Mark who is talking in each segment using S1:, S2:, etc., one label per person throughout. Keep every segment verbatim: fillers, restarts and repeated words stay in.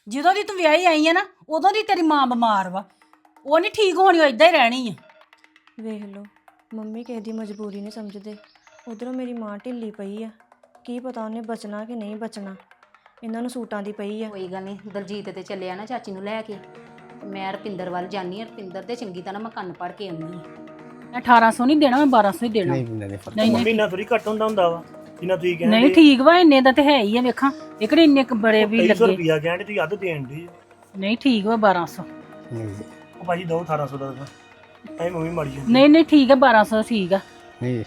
S1: ਜਦੋਂ ਦੀ ਤੂੰ ਵਿਆਹੀ ਆਈ ਆ ਨਾ ਉਦੋਂ ਦੀ ਤੇਰੀ ਮਾਂ ਬਿਮਾਰ ਵਾ। ਉਹ ਨਹੀਂ ਠੀਕ ਹੋਣੀ, ਉਹ ਇਦਾਂ ਹੀ ਰਹਿਣੀ ਆ।
S2: ਵੇਖ ਲਓ ਮੰਮੀ ਕਿਸੇ ਦੀ ਮਜਬੂਰੀ ਨਹੀਂ ਸਮਝਦੇ। ਉਧਰੋਂ ਮੇਰੀ ਮਾਂ ਢਿੱਲੀ ਪਈ ਆ, ਕੀ ਪਤਾ ਉਹਨੇ ਬਚਣਾ ਕਿ ਨਹੀਂ ਬਚਣਾ। ਇਹਨਾਂ ਨੂੰ ਸੂਟਾਂ ਦੀ ਪਈ ਆ।
S3: ਕੋਈ ਗੱਲ ਨਹੀਂ, ਦਲਜੀਤ ਤੇ ਚੱਲਿਆ ਨਾ ਚਾਚੀ ਨੂੰ ਲੈ ਕੇ। ਮੈਂ ਰਪਿੰਦਰ ਵੱਲ ਜਾਨੀ ਆ, ਰਪਿੰਦਰ ਦੇ ਚੰਗੀ ਤਰ੍ਹਾਂ ਮੈਂ ਕੰਨ ਪੜ ਕੇ ਆਉਂਦੀ ਆ।
S1: ਅਠਾਰਾਂ ਸੌ ਨਹੀਂ ਦੇਣਾ, ਮੈਂ ਬਾਰਾਂ ਸੌ ਹੀ ਦੇਣਾ।
S4: ਨਹੀਂ ਪਿੰਦਾ ਨਹੀਂ
S1: ਨਹੀਂ
S5: ਮੰਮੀ ਨਾ ਥੋੜੀ ਘੱਟ ਹੁੰਦਾ ਹੁੰਦਾ ਵਾ ਜਿੰਨਾ ਤੁਸੀਂ ਕਹਿੰਦੇ।
S1: ਨਹੀਂ ਠੀਕ ਵਾ, ਇੰਨੇ ਦਾ ਤੇ ਹੈ ਹੀ ਆ। ਵੇਖਾਂ ਇਕੜੇ ਇੰਨੇ ਕੁ ਬੜੇ ਵੀ
S5: ਤੇਈ ਸੌ
S1: ਲੱਗੇ।
S5: ਰੁਪਿਆ ਕਹਿੰਦੇ ਤੁਸੀਂ ਅੱਧ ਦੇਣ ਦੀ।
S1: ਨਹੀਂ ਠੀਕ ਵਾ ਬਾਰਾਂ ਸੌ।
S4: ਨਹੀਂ
S5: ਉਹ ਭਾਜੀ ਦੋ ਅਠਾਰਾਂ ਸੌ ਦਾ ਐ ਮੰਮੀ ਮਾੜੀ ਜਾਂਦੀ।
S1: ਨਹੀਂ ਨਹੀਂ ਠੀਕ ਆ, ਬਾਰਾਂ ਸੌ ਠੀਕ ਆ।
S4: ਨਹੀਂ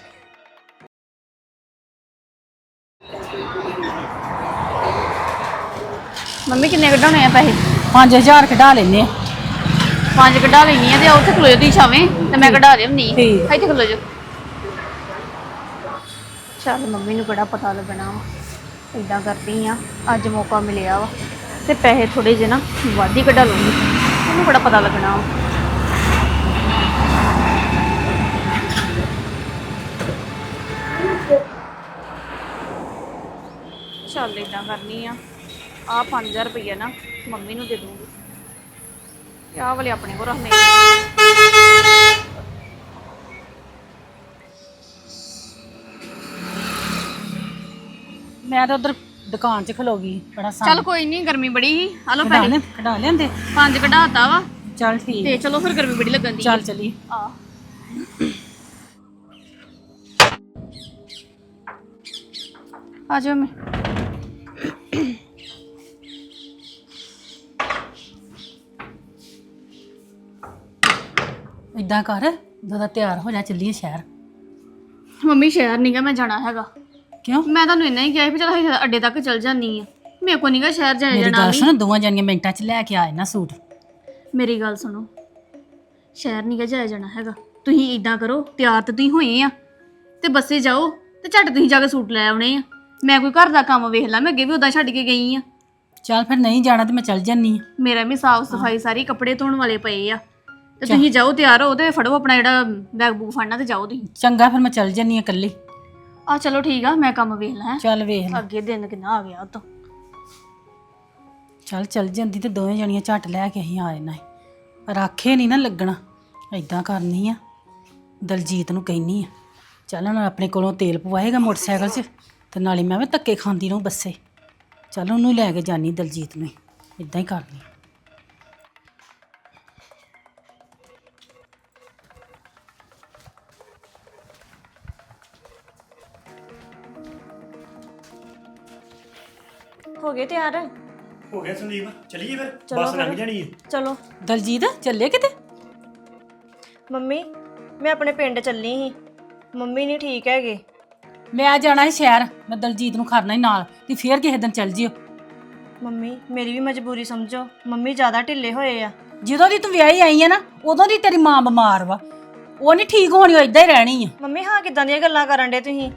S6: ਮੰਮੀ ਕਿੰਨੇ ਕਢਾਉਣੇ ਆ ਪੈਸੇ?
S1: ਪੰਜ ਹਜ਼ਾਰ ਕਢਾ ਲੈਨੇ ਆ।
S6: ਪੰਜ ਕਢਾ ਲੈਣੀ ਆ ਤੇ ਉੱਥੇ ਖਲੋ ਦੀ ਛਾਵੇਂ ਤੇ ਮੈਂ ਕਢਾ ਲਿਆਉਣੀ ਆ।
S1: ਠੀਕ।
S6: ਇੱਥੇ ਖਲੋ ਜਾ। ਚੱਲ ਮੰਮੀ ਨੂੰ ਬੜਾ ਪਤਾ ਲੱਗਣਾ ਵਾ। ਇਦਾਂ ਕਰਦੀ ਆ, ਅੱਜ ਮੌਕਾ ਮਿਲਿਆ ਵਾ ਤੇ ਪੈਸੇ ਥੋੜੇ ਜਿਹੇ ਨਾ ਵੱਧ ਹੀ ਕਢਾ ਲੂੰਗੀ। ਉਹਨੂੰ ਬੜਾ ਪਤਾ ਲੱਗਣਾ ਵਾ। ਚੱਲ ਇਦਾਂ ਕਰਨੀ ਆ, ਆਹ ਪੰਜ ਹਜ਼ਾਰ ਰੁਪਈਆ ਨਾ ਮੰਮੀ ਨੂੰ ਦੇ ਦੂੰਗੀ। ਆਹ ਵਾਲੇ ਆਪਣੇ ਕੋਲ ਰੱਖਣੇ।
S1: ਮੈਂ ਤਾਂ ਉਧਰ ਦੁਕਾਨ 'ਚ ਖਲੋ ਗਈ ਬੜਾ ਸਾਂ।
S6: ਚੱਲ ਕੋਈ ਨਹੀਂ, ਗਰਮੀ ਬੜੀ ਸੀ। ਹਲੋ
S1: ਕਢਾ
S6: ਪੈਸੇ
S1: ਲੈ ਕਢਾ ਲੈਂਦੇ।
S6: ਪੰਜ ਕਢਾਤਾ ਵਾ
S1: ਚੱਲ ਠੀਕ
S6: ਤੇ ਚਲੋ ਫਿਰ ਗਰਮੀ ਬੜੀ ਲੱਗਣ ਦੀ।
S1: ਚੱਲ ਚਲੀ।
S6: ਆ ਆ ਜਾਓ। ਮੈਂ
S1: ਇਦਾਂ ਕਰ, ਦਾਦਾ ਤਿਆਰ ਹੋ ਜਾ, ਚੱਲੀਏ ਸ਼ਹਿਰ।
S6: ਮੰਮੀ ਸ਼ਹਿਰ ਨੀਗਾ ਮੈਂ ਜਾਣਾ ਹੈਗਾ।
S1: ਕਿਉਂ?
S6: ਮੈਂ ਤੁਹਾਨੂੰ ਇੰਨਾ ਹੀ ਕਿਹਾ ਸੀ ਵੀ ਚਲ ਅਸੀਂ ਅੱਡੇ ਤੱਕ ਚੱਲ ਜਾਂਦੀ ਆ। ਮੇਰੇ ਕੋ ਨੀਗਾ ਸ਼ਹਿਰ ਜਾਇਆ
S1: ਮੇਰੀ
S6: ਜਾਣਾ
S1: ਗੱਲ
S6: ਵੀ।
S1: ਸੁਣ, ਦੋਵਾਂ ਜਾਨੀਆਂ ਮਿੰਟਾਂ 'ਚ ਲੈ ਕੇ ਆਏ ਨਾ ਸੂਟ।
S6: ਮੇਰੀ ਗੱਲ ਸੁਣੋ, ਸ਼ਹਿਰ ਨੀਗਾ ਜਾਇਆ ਜਾਣਾ ਹੈਗਾ। ਤੁਸੀਂ ਇਦਾਂ ਕਰੋ, ਤਿਆਰ ਤੇ ਤੁਸੀਂ ਹੋਏ ਆ ਤੇ ਬੱਸੇ ਜਾਓ ਤੇ ਝੱਟ ਤੁਸੀਂ ਜਾ ਕੇ ਸੂਟ ਲੈ ਆਉਣੇ ਆ। ਮੈਂ ਕੋਈ ਘਰ ਦਾ ਕੰਮ ਵੇਖ ਲਾ, ਮੈਂ ਅੱਗੇ ਵੀ ਉਦਾਂ ਛੱਡ ਕੇ ਗਈ ਆ।
S1: ਚੱਲ ਫਿਰ ਨਹੀਂ ਜਾਣਾ ਤੇ ਮੈਂ ਚੱਲ ਜਾਨੀ ਆ।
S6: ਮੇਰਾ ਵੀ ਸਾਫ ਸਫਾਈ ਸਾਰੀ ਕੱਪੜੇ ਧੋਣ ਵਾਲੇ ਪਏ ਆ ਤੇ ਤੁਸੀਂ ਜਾਓ, ਤਿਆਰ ਹੋ ਤੇ ਫੜੋ ਆਪਣਾ ਜਿਹੜਾ ਬੈਗ ਬੂਗ ਫੜਨਾ ਤੇ ਜਾਓ ਤੁਸੀਂ।
S1: ਚੰਗਾ ਫਿਰ ਮੈਂ ਚੱਲ ਜਾਨੀ ਆ ਇਕੱਲੀ।
S6: ਆ ਚਲੋ ਠੀਕ ਆ, ਮੈਂ ਕੰਮ ਵੇਖ ਲਾਂ।
S1: ਚੱਲ ਵੇਖ ਲੈ।
S6: ਅੱਗੇ ਦਿਨ ਕਿੰਨਾ ਆ ਗਿਆ ਉਤੋਂ।
S1: ਚੱਲ ਚੱਲ ਜਾਂਦੀ ਤੇ ਦੋਵੇਂ ਜਣੀਆਂ ਝੱਟ ਲੈ ਕੇ ਅਸੀਂ ਆ ਜਾਣਾ ਸੀ। ਪਰ ਆਖੇ ਨਹੀਂ ਨਾ ਲੱਗਣਾ। ਇਦਾਂ ਕਰਨੀ ਆ, ਦਲਜੀਤ ਨੂੰ ਕਹਿਨੀ ਆ ਚੱਲ ਹੁਣ ਆਪਣੇ ਕੋਲੋਂ ਤੇਲ ਪਵਾਏਗਾ ਮੋਟਰਸਾਈਕਲ 'ਚ ਤੇ ਨਾਲੇ ਮੈਂ ਵੀ ਧੱਕੇ ਖਾਂਦੀ ਰਹੂੰ ਬੱਸੇ। ਚੱਲ ਉਹਨੂੰ ਲੈ ਕੇ ਜਾਨੀ ਦਲਜੀਤ ਨੂੰ। ਇਦਾਂ ਹੀ ਕਰਨੀ।
S2: ਹੋ ਗਏ ਤਿਆਰ?
S5: ਹੋ ਗਿਆ ਸੰਦੀਪ, ਚਲੀਏ ਫਿਰ।
S2: ਚਲੋ
S5: ਬੱਸ ਲੰਘ
S2: ਫਿਰ।
S5: ਜਾਣੀ ਹੈ।
S2: ਚਲੋ।
S1: ਦਲਜੀਤ ਚੱਲੇ ਕਿਤੇ?
S2: ਮੰਮੀ ਮੈਂ ਆਪਣੇ ਪਿੰਡ ਚੱਲੀ ਸੀ, ਮੰਮੀ ਨਹੀਂ ਠੀਕ ਹੈਗੇ।
S1: ਮੈਂ ਜਾਣਾ ਸੀ ਸ਼ਹਿਰ, ਮੈਂ ਦਲਜੀਤ ਨੂੰ ਖੜਨਾ ਹੀ ਨਾਲ ਤੇ ਫੇਰ ਕਿਸੇ ਦਿਨ ਚੱਲ ਜਿਓ।
S2: ਮੰਮੀ ਮੇਰੀ ਵੀ ਮਜਬੂਰੀ ਸਮਝੋ, ਮੰਮੀ ਜ਼ਿਆਦਾ ਢਿੱਲੇ ਹੋਏ ਆ।
S1: ਜਦੋਂ ਦੀ ਤੂੰ ਵਿਆਹੀ ਆਈ ਆ ਨਾ ਉਦੋਂ ਦੀ ਤੇਰੀ ਮਾਂ ਬਿਮਾਰ ਵਾ। ਉਹ ਨਹੀਂ ਠੀਕ ਹੋਣੀ, ਉਹ ਇਦਾਂ ਹੀ ਰਹਿਣੀ ਆ।
S2: ਮੰਮੀ ਹਾਂ ਕਿੱਦਾਂ ਦੀਆਂ ਗੱਲਾਂ ਕਰਨ ਡੇ ਤੁਸੀਂ?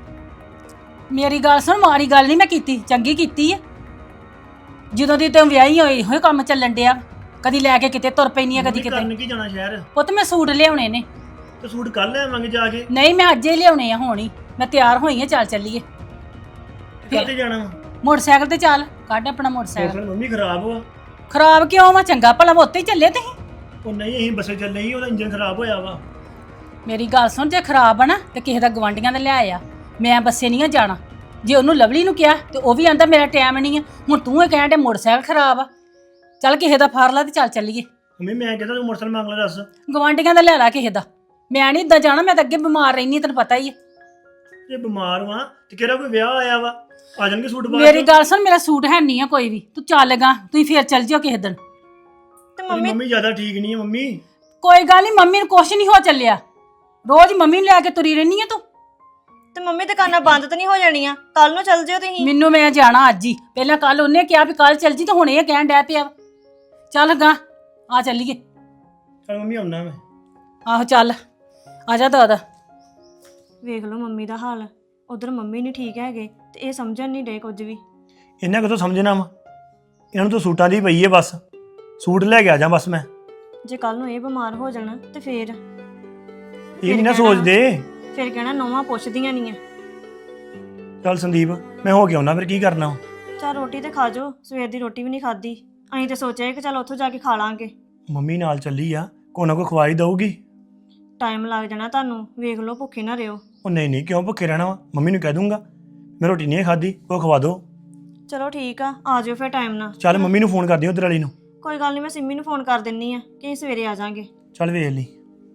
S1: ਮੇਰੀ ਗੱਲ ਸੁਣ, ਮਾੜੀ ਗੱਲ ਨਹੀਂ ਮੈਂ ਕੀਤੀ, ਚੰਗੀ ਕੀਤੀ ਆ। ਜਦੋਂ ਦੀ ਤੂੰ ਵਿਆਹੀ ਹੋਈ ਹੋਏ ਕੰਮ ਚੱਲਣ ਡਿਆ, ਕਦੀ ਲੈ ਕੇ ਕਿਤੇ ਤੁਰ ਪੈਣੀ ਆ, ਕਦੀ
S5: ਮੰਮੀ
S1: ਕਿਤੇ।
S5: ਕਰਨ ਕੀ ਜਾਣਾ ਸ਼ਹਿਰ?
S1: ਪੁੱਤ ਮੈਂ ਸੂਟ ਲਿਆਉਣੇ ਨੇ।
S5: ਤੇ ਸੂਟ ਕੱਲ ਲਿਆਵਾਂਗੇ ਜਾ ਕੇ।
S1: ਨਹੀਂ ਮੈਂ ਅੱਜ ਹੀ ਲਿਆਉਣੇ ਆ, ਹੁਣ ਹੀ ਮੈਂ ਤਿਆਰ ਹੋਈ ਆ। ਚੱਲ ਚੱਲੀਏ।
S5: ਕਾਹਤੇ ਜਾਣਾ ਵਾ?
S1: ਮੋਟਰਸਾਈਕਲ ਤੇ ਚੱਲ, ਕੱਢ ਆਪਣਾ ਮੋਟਰਸਾਈਕਲ।
S5: ਮੋਟਰਸਾਈਕਲ ਮੰਮੀ ਖਰਾਬ ਵਾ।
S1: ਖਰਾਬ ਕਿਉਂ ਵਾ? ਚੰਗਾ ਭਲਾ ਵਾ, ਉੱਤੇ ਹੀ ਚੱਲੇ ਤੁਸੀਂ।
S5: ਉਹ ਨਹੀਂ, ਅਸੀਂ ਬੱਸੇ ਚੱਲੇ ਸੀ, ਉਹਦਾ ਇੰਜਨ ਖਰਾਬ ਹੋਇਆ ਵਾ।
S1: ਮੇਰੀ ਗੱਲ ਸੁਣ, ਜੇ ਖਰਾਬ ਆ ਨਾ ਤੇ ਕਿਸੇ ਦਾ ਗਵਾਂਢੀਆਂ ਦਾ ਲਿਆਏ ਆ। ਮੈਂ ਬੱਸੇ ਨਹੀਂ ਆ ਜਾਣਾ। ਜੇ ਉਹਨੂੰ ਲਵਲੀ ਨੂੰ ਕਿਹਾ ਤੇ ਉਹ ਵੀ ਆਂਦਾ ਮੇਰਾ ਟਾਈਮ ਨਹੀਂ ਆ। ਹੁਣ ਤੂੰ ਇਹ ਕਹਿਣ ਦੇ ਮੋਟਰਸਾਈਕਲ ਖਰਾਬ ਆ। ਚੱਲ ਕਿਸੇ ਦਾ ਫਾਰ ਲਾ ਤੇ ਚੱਲ ਚੱਲੀਏ।
S5: ਮੰਮੀ ਮੈਂ ਕਹਿੰਦਾ ਤੂੰ ਮੋਟਰਸਾਈਕਲ ਮੰਗ ਲੈ, ਦੱਸ।
S1: ਗਵਾਂਢੀਆਂ ਦਾ ਲੈ ਲਾ ਕਿਸੇ ਦਾ। ਮੈਂ ਨਹੀਂ ਇੱਦਾਂ ਜਾਣਾ, ਮੈਂ ਤਾਂ ਅੱਗੇ ਬਿਮਾਰ ਰਹਿਨੀ, ਤੈਨੂੰ ਪਤਾ ਹੀ ਹੈ।
S5: ਜੇ ਬਿਮਾਰ ਵਾਂ ਤੇ ਕਿਹੜਾ ਕੋਈ ਵਿਆਹ ਆਇਆ ਵਾ, ਆ ਜਾਣਗੇ ਸੂਟ ਬਾਅਦ
S1: ਮੇਰੀ ਗੱਲ ਸੁਣ, ਮੇਰਾ ਸੂਟ ਹੈ ਨਹੀਂ ਆ ਕੋਈ ਵੀ। ਤੂੰ ਚੱਲ ਗਾ, ਤੁਸੀਂ ਫੇਰ ਚੱਲ ਜਿਓ ਕਿਸੇ ਦਿਨ।
S2: ਤੇ
S5: ਤੇਰੀ
S2: ਮੰਮੀ
S5: ਮੰਮੀ ਜ਼ਿਆਦਾ ਠੀਕ ਨਹੀਂ ਹੈ ਮੰਮੀ।
S1: ਕੋਈ ਗੱਲ ਨਹੀਂ, ਮੰਮੀ ਨੂੰ ਕੁਛ ਨਹੀਂ ਹੋ ਚੱਲਿਆ। ਰੋਜ਼ ਮੰਮੀ ਨੂੰ ਲੈ ਕੇ ਤੁਰੀ ਰਹਿਨੀ ਆ ਤੂੰ।
S2: ਤੇ ਮੰਮੀ ਦੁਕਾਨਾਂ ਬੰਦ ਤਾਂ ਨਹੀਂ ਹੋ ਜਾਣੀਆਂ? ਕੱਲ ਨੂੰ ਚੱਲ ਜਿਓ ਤੁਸੀਂ।
S1: ਮੈਨੂੰ ਮੈਂ ਜਾਣਾ ਅੱਜ ਹੀ। ਪਹਿਲਾਂ ਕੱਲ ਉਹਨੇ ਕਿਹਾ ਵੀ ਕੱਲ ਚੱਲ ਜੀ, ਤੇ ਹੁਣ ਇਹ ਕਹਿਣ ਡੈ ਪਿਆ ਵਾ। ਚੱਲ ਗਾ, ਆ ਚੱਲੀਏ।
S5: ਚਲ ਮੰਮੀ ਆਉਣਾ ਮੈਂ।
S1: ਆਹੋ ਚੱਲ ਆ ਜਾ ਦਾਦਾ।
S2: ਵੇਖ ਲਓ ਮੰਮੀ ਦਾ ਹਾਲ, ਉਧਰ ਮੰਮੀ ਨਹੀਂ ਠੀਕ ਹੈਗੇ ਤੇ ਇਹ ਸਮਝਣ ਨਹੀਂ ਡੇ ਕੁਝ ਵੀ।
S5: ਇਹਨਾਂ ਕਿਥੋਂ ਸਮਝਣਾ ਵਾ? ਇਹਨਾਂ ਨੂੰ ਤਾਂ ਸੂਟਾਂ ਦੀ ਪਈ ਹੈ ਬਸ। ਸੂਟ ਲੈ ਕੇ ਆ ਜਾ ਬਸ ਮੈਂ।
S2: ਜੇ ਕੱਲ ਨੂੰ ਇਹ ਬਿਮਾਰ ਹੋ ਜਾਣਾ ਤੇ ਫੇਰ
S5: ਇਹ ਨਹੀਂ ਨਾ ਸੋਚਦੇ।
S2: ਫਿਰ ਕਹਿਣਾ ਨੌਵਾਂ ਪੁੱਛਦੀਆਂ ਨਹੀਂ ਆ।
S5: ਚੱਲ ਸੰਦੀਪ, ਮੈਂ ਹੋ ਕੇ ਆਉਣਾ, ਫਿਰ ਕੀ ਕਰਨਾ?
S2: ਚਲ ਰੋਟੀ ਤੇ ਖਾ ਜਾਓ, ਸਵੇਰ ਦੀ ਰੋਟੀ ਵੀ ਨਹੀਂ ਖਾਧੀ। ਅਸੀਂ ਤੇ ਸੋਚਿਆ ਕਿ ਚਲ ਉੱਥੋਂ ਜਾ ਕੇ ਖਾ ਲਾਂਗੇ।
S5: ਮੰਮੀ ਨਾਲ ਚੱਲੀ ਆ, ਕੋਈ ਨਾ ਕੋਈ ਖਵਾਈ ਦਊਗੀ।
S2: ਟਾਈਮ ਲੱਗ ਜਾਣਾ ਤੁਹਾਨੂੰ, ਵੇਖ ਲਓ ਭੁੱਖੇ ਨਾ ਰਿਓ।
S5: ਉਹ ਨਹੀਂ ਨਹੀਂ, ਕਿਉਂ ਭੁੱਖੇ ਰਹਿਣਾ ਵਾ? ਮੰਮੀ ਨੂੰ ਕਹਿ ਦੂੰਗਾ ਮੈਂ ਰੋਟੀ ਨਹੀਂ ਖਾਧੀ, ਕੋਈ ਖਵਾ ਦਿਓ।
S2: ਚਲੋ ਠੀਕ ਆ, ਆ ਜਾਓ ਫਿਰ ਟਾਈਮ ਨਾਲ।
S5: ਚੱਲ ਮੰਮੀ ਨੂੰ ਫੋਨ ਕਰ ਦਿਓ ਉਧਰ ਵਾਲੀ ਨੂੰ।
S2: ਕੋਈ ਗੱਲ ਨਹੀਂ, ਮੈਂ ਸਿੰਮੀ ਨੂੰ ਫੋਨ ਕਰ ਦਿੰਨੀ ਆ ਕਿ ਅਸੀਂ ਸਵੇਰੇ ਆ ਜਾਾਂਗੇ।
S5: ਚੱਲ ਵੇਖ ਲਈ।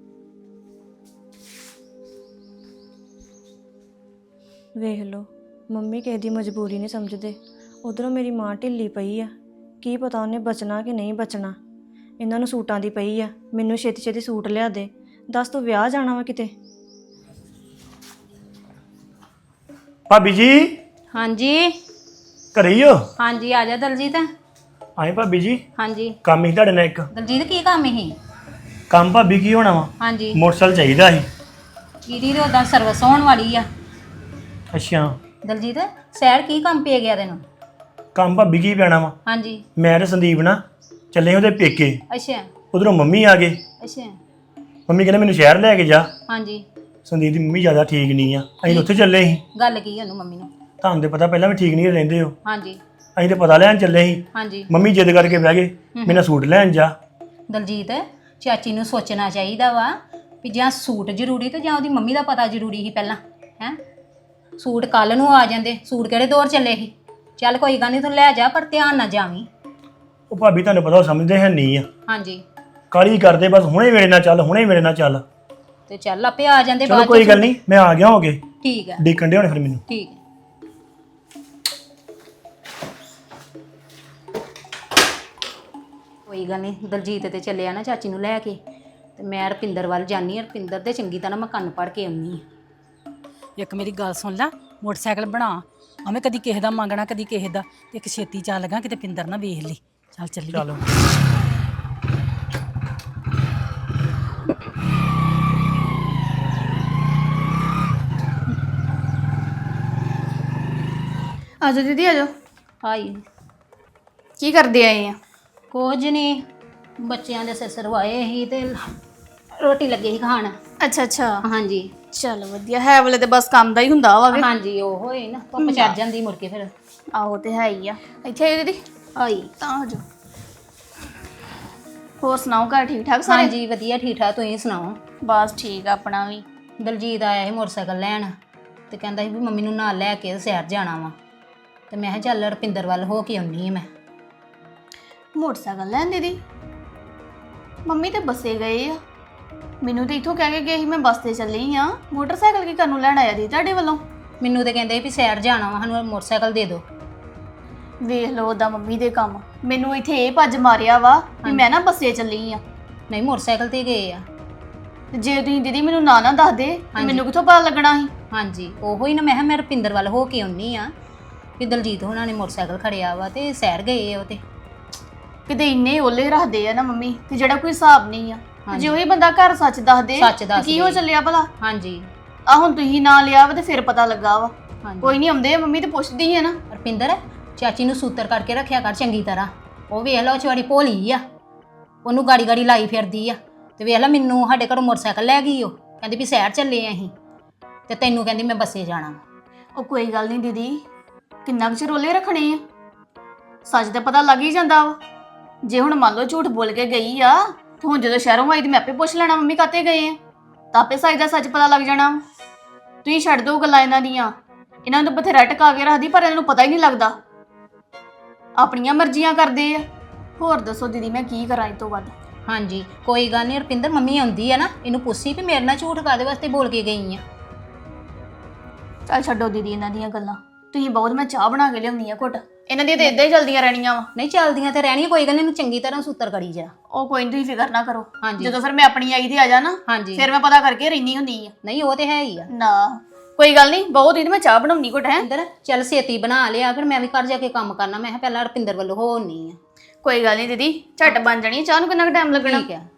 S2: ਵੇਖ ਲਓ ਮੰਮੀ ਕਿਸੇ ਦੀ ਮਜਬੂਰੀ ਨਹੀਂ ਸਮਝਦੇ। ਉਧਰੋਂ ਮੇਰੀ ਮਾਂ ਢਿੱਲੀ ਪਈ ਆ, ਕੀ ਪਤਾ ਉਹਨੇ ਬਚਣਾ ਕਿ ਨਹੀਂ ਬਚਣਾ। ਇਹਨਾਂ ਨੂੰ ਸੂਟਾਂ ਦੀ ਪਈ ਆ, ਮੈਨੂੰ ਛੇਤੀ ਛੇਤੀ ਸੂਟ ਲਿਆ ਦੇ। ਦੱਸ ਤੂੰ ਵਿਆਹ ਜਾਣਾ ਵਾ ਕਿਤੇ?
S5: ਭਾਬੀ ਜੀ
S3: ਹਾਂਜੀ
S5: ਘਰੇ ਹੀ ਹੋ?
S3: ਹਾਂਜੀ ਆ ਜਾ ਦਲਜੀਤ।
S5: ਆਏ ਭਾਬੀ ਜੀ,
S3: ਹਾਂਜੀ
S5: ਕੰਮ ਹੀ ਤੁਹਾਡੇ ਨਾਲ ਇੱਕ।
S3: ਦਲਜੀਤ ਕੀ ਕੰਮ ਹੀ?
S5: ਕੰਮ ਭਾਬੀ ਕੀ ਹੋਣਾ ਵਾ?
S3: ਹਾਂਜੀ
S5: ਮੋਟਰਸਾਈਕਲ ਚਾਹੀਦਾ ਸੀ।
S3: ਕੀਦੀ ਤੇ ਉਹਦਾ ਸਰਵਿਸ ਹੋਣ ਵਾਲੀ ਆ।
S5: ਅੱਛਾ,
S3: ਦਲਜੀਤ ਸੈਰ ਕੀ ਕੰਮ ਪੈ ਗਿਆ ਤੈਨੂੰ?
S5: ਕੰਮ ਭਾਬੀ ਕੀ ਪੈਣਾ ਵਾ?
S3: ਹਾਂਜੀ
S5: ਮੈਂ ਤੇ ਸੰਦੀਪ ਨਾ ਚੱਲੇ ਉਹਦੇ ਪੇਕੇ।
S3: ਅੱਛਾ
S5: ਉਧਰੋਂ ਮੰਮੀ ਆ ਗਏ।
S3: ਅੱਛਾ
S5: ਮੰਮੀ ਕਹਿੰਦੇ ਮੈਨੂੰ ਸ਼ਹਿਰ ਲੈ ਕੇ ਜਾ।
S3: ਹਾਂਜੀ
S5: ਸੰਦੀਪ ਦੀ ਮੰਮੀ ਜ਼ਿਆਦਾ ਠੀਕ ਨਹੀਂ ਆ, ਅਸੀਂ ਉੱਥੇ ਚੱਲੇ ਸੀ।
S3: ਗੱਲ ਕੀ ਉਹਨੂੰ ਮੰਮੀ ਨੂੰ?
S5: ਤੁਹਾਨੂੰ ਤੇ ਪਤਾ ਪਹਿਲਾਂ ਵੀ ਠੀਕ ਨਹੀਂ ਰਹਿੰਦੇ ਹੋ।
S3: ਹਾਂਜੀ
S5: ਅਸੀਂ ਤੇ ਪਤਾ ਲੈਣ ਚੱਲੇ ਸੀ।
S3: ਹਾਂਜੀ
S5: ਮੰਮੀ ਜਿੱਦ ਕਰਕੇ ਬਹਿ ਗਏ ਮੈਨੂੰ ਸੂਟ ਲੈਣ ਜਾ।
S3: ਦਲਜੀਤ ਚਾਚੀ ਨੂੰ ਸੋਚਣਾ ਚਾਹੀਦਾ ਵਾ ਵੀ ਜਾਂ ਸੂਟ ਜ਼ਰੂਰੀ ਤੇ ਜਾਂ ਉਹਦੀ ਮੰਮੀ ਦਾ ਪਤਾ ਜ਼ਰੂਰੀ ਸੀ ਪਹਿਲਾਂ। ਹੈ ਸੂਟ ਕੱਲ ਨੂੰ ਆ ਜਾਂਦੇ, ਸੂਟ ਕਿਹੜੇ ਦੌਰ ਚੱਲੇ ਸੀ। ਚੱਲ ਕੋਈ ਗੱਲ ਨਹੀਂ ਤੂੰ ਲੈ ਜਾ, ਪਰ ਧਿਆਨ ਨਾ ਜਾਵੀਂ।
S5: ਉਹ ਭਾਬੀ ਤੁਹਾਨੂੰ ਪਤਾ ਉਹ ਸਮਝਦੇ ਹੈ ਨਹੀਂ ਆ,
S3: ਹਾਂਜੀ
S5: ਕਾਲੀ ਕਰਦੇ ਬਸ ਹੁਣੇ ਮੇਰੇ ਨਾਲ ਚੱਲ, ਹੁਣੇ ਮੇਰੇ ਨਾਲ ਚੱਲ।
S3: ਤੇ ਚੱਲ ਆਪੇ ਆ ਜਾਂਦੇ
S5: ਚਲੋ
S3: ਬਾਅਦ
S5: ਕੋਈ
S3: ਚ।
S5: ਗੱਲ ਨਹੀਂ, ਮੈਂ ਆ ਗਿਆ ਹੋਗੇ।
S3: ਠੀਕ ਹੈ
S5: ਦੇਖਣ ਦੇ ਹੋਣੇ ਫਿਰ ਮੈਨੂੰ।
S3: ਠੀਕ ਹੈ। ਕੋਈ ਗੱਲ ਨਹੀਂ, ਦਲਜੀਤ ਤੇ ਚੱਲਿਆ ਨਾ ਚਾਚੀ ਨੂੰ ਲੈ ਕੇ, ਤੇ ਮੈਂ ਰਪਿੰਦਰ ਵੱਲ ਜਾਨੀ ਆ। ਰਪਿੰਦਰ ਦੇ ਚੰਗੀ ਤਰ੍ਹਾਂ ਮੈਂ ਕੰਨ ਪੜ ਕੇ ਆਉਣੀ ਆ।
S1: ਇੱਕ ਮੇਰੀ ਗੱਲ ਸੁਣ ਲੈ, ਮੋਟਰਸਾਈਕਲ ਬਣਾ। ਐਵੇਂ ਕਦੀ ਕਿਸੇ ਦਾ ਮੰਗਣਾ ਕਦੀ ਕਿਸੇ ਦਾ, ਤੇ ਇੱਕ ਛੇਤੀ ਚੱਲ ਲਗਾ ਕਿਤੇ ਪਿੰਦਰ ਨਾ ਵੇਖ ਲਈ। ਚੱਲ ਚੱਲੀਏ।
S5: ਚਲੋ
S6: ਆਜੋ ਦੀਦੀ ਆਜੋ।
S3: ਹਾਈ
S6: ਕੀ ਕਰਦੇ ਆਏ ਆ?
S3: ਕੁਝ ਨਹੀਂ, ਬੱਚਿਆਂ ਦੇ ਸਿਰ ਸਰਵਾਏ ਸੀ ਤੇ ਰੋਟੀ ਲੱਗੇ ਸੀ ਖਾਣ।
S6: ਅੱਛਾ ਅੱਛਾ,
S3: ਹਾਂਜੀ
S6: ਚਲ ਵਧੀਆ ਹੈ। ਵਾਲੇ ਤੇ ਬਸ ਕੰਮ ਦਾ ਹੀ ਹੁੰਦਾ ਵਾ ਵੇ।
S3: ਹਾਂਜੀ ਉਹ ਹੋਏ ਨਾ ਧੁੱਪ ਚੜ ਜਾਂਦੀ ਮੁੜ ਕੇ ਫਿਰ।
S6: ਆਹੋ ਤੇ ਹੈ ਹੀ ਆ। ਇੱਥੇ ਆਇਓ ਦੀਦੀ,
S3: ਹਾਈ
S6: ਤਾਂ ਆਜੋ। ਹੋਰ ਸੁਣਾਓ, ਘਰ ਠੀਕ ਠਾਕ ਸਾਰੇ?
S3: ਹਾਂਜੀ ਵਧੀਆ ਠੀਕ ਠਾਕ, ਤੁਸੀਂ ਸੁਣਾਓ?
S6: ਬਸ ਠੀਕ ਆ ਆਪਣਾ ਵੀ।
S3: ਦਲਜੀਤ ਆਇਆ ਸੀ ਮੋਟਰਸਾਈਕਲ ਲੈਣ ਤੇ ਕਹਿੰਦਾ ਸੀ ਵੀ ਮੰਮੀ ਨੂੰ ਨਾਲ ਲੈ ਕੇ ਸੈਰ ਜਾਣਾ ਵਾ, ਤੇ ਮੈਂ ਕਿਹਾ ਚੱਲ ਰਪਿੰਦਰ ਵੱਲ ਹੋ ਕੇ ਆਉਣੀ ਆ। ਮੈਂ
S6: ਮੋਟਰਸਾਈਕਲ ਲੈਣ ਦੀਦੀ? ਮੰਮੀ ਤੇ ਬੱਸੇ ਗਏ ਆ। ਮੈਨੂੰ ਤੇ ਇੱਥੋਂ ਕਹਿ ਕੇ ਗਏ ਸੀ ਮੈਂ ਬੱਸ ਤੇ ਚੱਲੀ ਆ। ਮੋਟਰਸਾਈਕਲ ਕੀ ਕਰਨ ਨੂੰ ਲੈਣ ਆਇਆ ਦੀ ਤੁਹਾਡੇ ਵੱਲੋਂ?
S3: ਮੈਨੂੰ ਤੇ ਕਹਿੰਦੇ ਵੀ ਸੈਰ ਜਾਣਾ ਵਾ, ਸਾਨੂੰ ਮੋਟਰਸਾਈਕਲ ਦੇ ਦਿਓ।
S6: ਵੇਖ ਲਓ ਉਹਦਾ ਮੰਮੀ ਦੇ ਕੰਮ। ਮੈਨੂੰ ਇੱਥੇ ਇਹ ਭੱਜ ਮਾਰਿਆ ਵਾ ਵੀ ਮੈਂ ਨਾ ਬੱਸੇ ਚੱਲੀ ਆ।
S3: ਨਹੀਂ ਮੋਟਰਸਾਈਕਲ ਤੇ ਗਏ ਆ।
S6: ਤੇ ਜੇ ਤੁਸੀਂ ਦੀਦੀ ਮੈਨੂੰ ਨਾ ਨਾ ਦੱਸਦੇ ਤੇ ਮੈਨੂੰ ਕਿੱਥੋਂ ਪਤਾ ਲੱਗਣਾ ਸੀ?
S3: ਹਾਂਜੀ ਉਹੋ ਹੀ ਨਾ, ਮੈਂ ਕਿਹਾ ਮੈਂ ਰਪਿੰਦਰ ਵੱਲ ਹੋ ਕੇ ਆਉਣੀ ਆ ਵੀ ਦਲਜੀਤ ਹੋਣਾ ਨੇ ਮੋਟਰਸਾਈਕਲ ਖੜਿਆ ਵਾ ਤੇ ਸੈਰ ਗਏ ਆ ਉਹ ਤੇ।
S6: ਕਿਤੇ ਇੰਨੇ ਓਲੇ ਰੱਖਦੇ ਆ ਨਾ ਮੰਮੀ ਤੇ ਜਿਹੜਾ ਕੋਈ ਹਿਸਾਬ ਨਹੀਂ ਆ। ਤੇ ਜੇ ਉਹੀ ਬੰਦਾ ਘਰ ਸੱਚ ਦੱਸ ਦੇ
S3: ਸੱਚ
S6: ਤੇ
S3: ਦੱਸ
S6: ਕੀ ਹੋ
S3: ਦੇ।
S6: ਚੱਲਿਆ ਭਲਾ?
S3: ਹਾਂਜੀ
S6: ਆ ਹੁਣ ਤੁਸੀਂ ਨਾ ਲਿਆ ਵਾ ਤੇ ਫਿਰ ਪਤਾ ਲੱਗਾ ਵਾ।
S3: ਹਾਂਜੀ
S6: ਕੋਈ ਨਹੀਂ, ਆਉਂਦੇ ਆ ਮੰਮੀ ਤੇ ਪੁੱਛਦੀ ਆ ਨਾ।
S3: ਰਪਿੰਦਰ ਚਾਚੀ ਨੂੰ ਸੂਤਰ ਕਰਕੇ ਰੱਖਿਆ ਕਰ ਚੰਗੀ ਤਰ੍ਹਾਂ। ਉਹ ਵੇਖ ਲਾ ਉਹ ਚਵਾੜੀ ਭੋਲੀ ਆ, ਉਹਨੂੰ ਗਾੜੀ ਗਾੜੀ ਲਾਈ ਫਿਰਦੀ ਆ। ਤੇ ਵੇਖ ਲਾ ਮੈਨੂੰ ਸਾਡੇ ਘਰੋਂ ਮੋਟਰਸਾਈਕਲ ਲੈ ਗਈ, ਉਹ ਕਹਿੰਦੀ ਵੀ ਸੈਰ ਚੱਲੇ ਆ ਅਸੀਂ, ਤੇ ਤੈਨੂੰ ਕਹਿੰਦੀ ਮੈਂ ਬੱਸੇ ਜਾਣਾ ਵਾ।
S6: ਉਹ ਕੋਈ ਗੱਲ ਨਹੀਂ ਦੀਦੀ, ਕਿੰਨਾ ਕੁ ਚਿਰ ਓਲੇ ਰੱਖਣੇ ਆ? ਸੱਚ ਤਾਂ ਪਤਾ ਲੱਗ ਹੀ ਜਾਂਦਾ ਵਾ। ਜੇ ਹੁਣ ਮੰਨ ਲਓ ਝੂਠ ਬੋਲ ਕੇ ਗਈ ਆ ਤੇ ਹੁਣ ਜਦੋਂ ਸ਼ਹਿਰੋਂ ਆਈ ਤੇ ਮੈਂ ਆਪੇ ਪੁੱਛ ਲੈਣਾ ਮੰਮੀ ਕਾਤੇ ਗਏ ਆ, ਤਾਂ ਆਪੇ ਸੱਚ ਦਾ ਸੱਚ ਪਤਾ ਲੱਗ ਜਾਣਾ। ਤੁਸੀਂ ਛੱਡ ਦਿਓ ਗੱਲਾਂ ਇਹਨਾਂ ਦੀਆਂ। ਇਹਨਾਂ ਨੂੰ ਤਾਂ ਬਥੇਰਾ ਟਕਾ ਕੇ ਰੱਖਦੀ, ਪਰ ਇਹਨਾਂ ਨੂੰ ਪਤਾ ਹੀ ਨਹੀਂ ਲੱਗਦਾ। ਆਪਣੀਆਂ ਮਰਜ਼ੀਆਂ ਕਰਦੇ ਆ। ਹੋਰ ਦੱਸੋ ਦੀਦੀ ਮੈਂ ਕੀ ਕਰਾਂ ਇਹ ਤੋਂ ਵੱਧ?
S3: ਹਾਂਜੀ ਕੋਈ ਗੱਲ ਨਹੀਂ ਰਪਿੰਦਰ, ਮੰਮੀ ਆਉਂਦੀ ਆ ਨਾ, ਇਹਨੂੰ ਪੁੱਛੀ ਵੀ ਮੇਰੇ ਨਾਲ ਝੂਠ ਕਾਹਦੇ ਵਾਸਤੇ ਬੋਲ ਕੇ ਗਈ ਆ।
S6: ਚੱਲ ਛੱਡੋ ਦੀਦੀ ਇਹਨਾਂ ਦੀਆਂ ਗੱਲਾਂ। ਤੁਸੀਂ ਬਹੁਤ, ਮੈਂ ਚਾਹ ਬਣਾ ਕੇ ਲਿਆਉਂਦੀ ਆ ਘੁੱਟ। ਇਹਨਾਂ ਦੀਆਂ ਤੇ ਇਦਾਂ ਹੀ ਚਲਦੀਆਂ ਰਹਿਣੀਆਂ ਵਾ।
S3: ਨਹੀਂ ਚੱਲਦੀਆਂ ਤੇ ਰਹਿਣੀਆਂ, ਕੋਈ ਗੱਲ ਨਹੀਂ, ਇਹਨੂੰ ਚੰਗੀ ਤਰ੍ਹਾਂ ਸੂਤਰ ਕਰੀ ਜਾ।
S6: ਉਹ ਕੋਈ ਨੀ, ਤੁਸੀਂ ਫਿਕਰ ਨਾ ਕਰੋ।
S3: ਹਾਂਜੀ
S6: ਜਦੋਂ ਫਿਰ ਮੈਂ ਆਪਣੀ ਆਈ ਤੇ ਆ ਜਾ ਨਾ,
S3: ਹਾਂਜੀ
S6: ਫਿਰ ਮੈਂ ਪਤਾ ਕਰਕੇ ਰਹਿਣੀ ਹੁੰਦੀ ਆ।
S3: ਨਹੀਂ ਉਹ ਤੇ ਹੈ ਹੀ ਆ।
S6: ਨਾ ਕੋਈ ਗੱਲ ਨਹੀਂ, ਬਹੁਤ ਹੀ ਮੈਂ ਚਾਹ ਬਣਾਉਣੀ ਘੁੱਟ ਹੈ।
S3: ਰਪਿੰਦਰ ਚੱਲ ਛੇਤੀ ਬਣਾ ਲਿਆ, ਫਿਰ ਮੈਂ ਵੀ ਘਰ ਜਾ ਕੇ ਕੰਮ ਕਰਨਾ। ਮੈਂ ਕਿਹਾ ਪਹਿਲਾਂ ਰਪਿੰਦਰ ਵੱਲੋਂ ਹੋਣੀ ਆ।
S6: ਕੋਈ ਗੱਲ ਨਹੀਂ ਦੀਦੀ, ਝੱਟ ਬਣ ਜਾਣੀ ਆ। ਚਾਹ ਨੂੰ ਕਿੰਨਾ ਕੁ ਟਾਈਮ ਲੱਗਣਾ?
S3: ਠੀਕ ਹੈ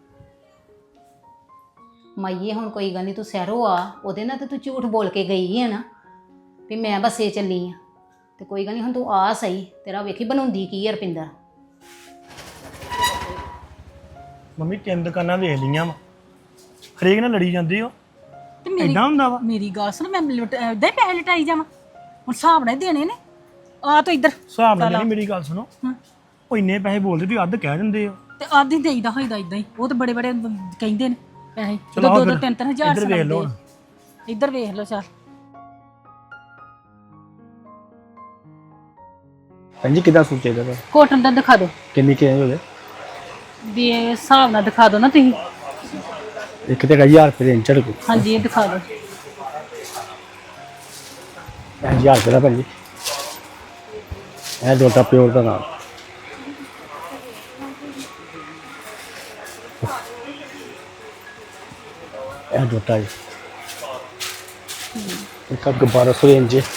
S3: ਮਾਈਏ, ਹੁਣ ਕੋਈ ਗੱਲ ਨਹੀਂ, ਤੂੰ ਸਹਿਰੋ ਆ, ਉਹਦੇ ਨਾਲ ਤੇ ਤੂੰ ਝੂਠ ਬੋਲ ਕੇ ਗਈ ਹੈ ਨਾ ਵੀ ਮੈਂ ਬੱਸੇ ਚੱਲੀ ਆ। ਤੇ ਕੋਈ ਗੱਲ ਨਹੀਂ, ਹੁਣ ਤੂੰ ਆ ਸਹੀ, ਤੇਰਾ ਵੇਖੀ ਬਣਾਉਂਦੀ ਕੀ ਹੈ ਰਪਿੰਦਰ।
S5: ਮੰਮੀ ਤਿੰਨ ਦੁਕਾਨਾਂ ਵੇਖ ਲਈਆਂ ਵਾ, ਹਰੇਕ ਨਾਲ ਲੜੀ ਜਾਂਦੀ ਹੋ।
S1: ਤੇ ਮੇਰੀ
S5: ਏਦਾਂ ਹੁੰਦਾ ਵਾ?
S1: ਮੇਰੀ ਗੱਲ ਸੁਣ, ਮੈਂ ਇਦਾਂ ਹੀ ਪੈਸੇ ਲਟਾਈ ਜਾਵਾਂ? ਹੁਣ ਹਿਸਾਬ ਨਾਲ ਹੀ ਦੇਣੇ ਨੇ। ਆ ਤੂੰ ਇੱਧਰ
S5: ਹਿਸਾਬ ਨਾਲ ਨਹੀਂ, ਮੇਰੀ ਗੱਲ ਸੁਣੋ,
S1: ਹਾਂ।
S5: ਉਹ ਇੰਨੇ ਪੈਸੇ ਬੋਲਦੇ ਵੀ ਅੱਧ ਕਹਿ ਦਿੰਦੇ ਆ।
S1: ਤੇ ਆਦੀ ਦੇਈਦਾ ਹੋਈਦਾ ਇਦਾਂ ਹੀ, ਉਹ ਤਾਂ ਬੜੇ ਬੜੇ ਕਹਿੰਦੇ ਨੇ ਪੈਸੇ
S5: ਚਲੋ
S1: ਦੋ
S5: ਆਓ
S1: ਦੋ
S5: ਫਿਰ,
S1: ਤਿੰਨ ਤਿੰਨ ਹਜ਼ਾਰ
S5: ਇੱਧਰ ਵੇਖ ਲਓ ਹੁਣ।
S1: ਸੁਣਾਉਂਦੇ। ਇੱਧਰ ਵੇਖ ਲਓ ਚੱਲ।
S4: ਭੈਣ ਜੀ ਕਿੱਦਾਂ ਸੂਟ ਚਾਹੀਦਾ ਵਾ?
S1: ਕੋਟਨ ਦਾ ਦਿਖਾ ਦਿਓ
S4: ਕਿੰਨੀ ਕੇ ਹੋ ਗਏ?
S1: ਵੀ ਇਹ ਹਿਸਾਬ ਨਾਲ ਦਿਖਾ ਦਿਓ ਨਾ ਤੁਸੀਂ।
S4: ਇੱਕ ਤੇ ਹਜ਼ਾਰ ਰੁਪਏ ਦੇ ਇੰਚੜ ਕੋ
S1: ਹਾਂਜੀ ਇਹ ਦਿਖਾ ਦਿਓ।
S4: ਹਜ਼ਾਰ ਰੁਪਏ ਦਾ ਭੈਣ ਜੀ। ਇਹ ਦੋਟਾ ਪਿਓਰ ਦਾ ਨਾਲ ਇਹ ਦੋਟਾ ਜੀ ਇੱਕ ਅੱਗ ਬਾਰਾਂ ਸੌ ਰੇਂਜ ਹੈ।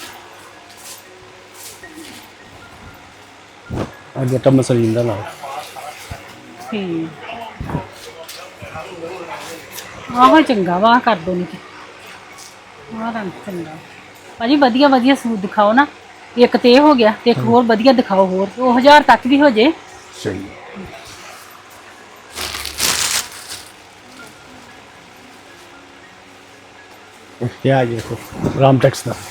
S4: ਇਹ ਦੋਟਾ ਮਸਲੀਨ ਦਾ ਨਾਲ
S1: ਠੀਕ ਆਹੋ ਚੰਗਾ ਵਾ ਕਰ ਦੋ ਨਹੀਂ ਤੇ ਆਹ ਰੰਗ ਚੰਗਾ ਭਾਜੀ। ਵਧੀਆ ਵਧੀਆ ਸੂਟ ਦਿਖਾਓ ਨਾ, ਇੱਕ ਤੇ ਇਹ ਹੋ ਗਿਆ ਤੇ ਇੱਕ ਹੋਰ ਵਧੀਆ ਦਿਖਾਓ, ਹੋਰ ਉਹ ਹਜ਼ਾਰ ਤੱਕ ਵੀ ਹੋ ਜੇ।
S4: ਸਹੀ ਇਹ ਆ ਜੀ ਦੇਖੋ ਰਾਮ ਟੈਕਸ ਦਾ